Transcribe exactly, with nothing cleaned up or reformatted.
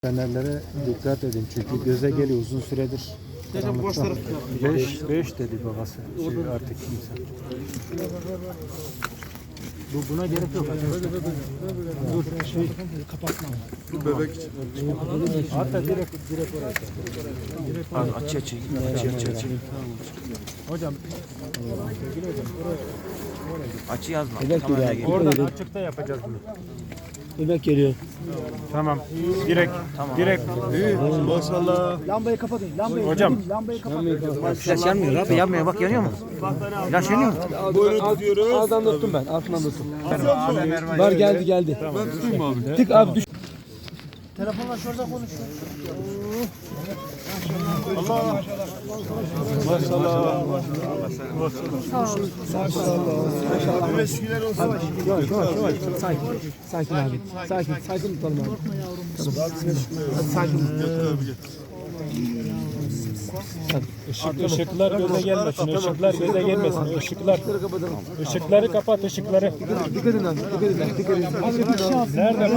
Fenerlere dikkat edin çünkü göze geliyor uzun süredir. beş beş dedi babası. Şey artık kimse. Bu buna gerek yok. Dur şey kapatma. Bu bebek için. Hatta direkt direkt oraya. Abi aç aç aç aç aç. Hocam Açı yazma. Bebek Tamam, geliyor gel. abi. oradan açıkta yapacağız bunu. Bebek geliyor. Tamam. Direkt direkt. İyi. Maşallah. Lambayı kapatın. Lambayı Hocam. lambayı kapatın. Flaş yanmıyor abi, yanmıyor, bak yanıyor mu? Flaş yanıyor mu? Buyurun tutuyoruz. Ağzından tuttum ben. Altından tuttum. Var geldi geldi. Ben tutayım abi. Tık abi düş. Telefonla şurada konuşuyor. Maşallah. Yavaş yavaş yavaş. Sakin. Sakin abi. Sakin. Sakin tutalım abi. Tamam. Hadi sakin. Işık, ışıklar göze gelmesin. Işıklar göze gelmesin. Işıklar. Işıkları kapat ışıkları. Dikkat edin abi. Dikkat edin. Dikkat edin. Nerede?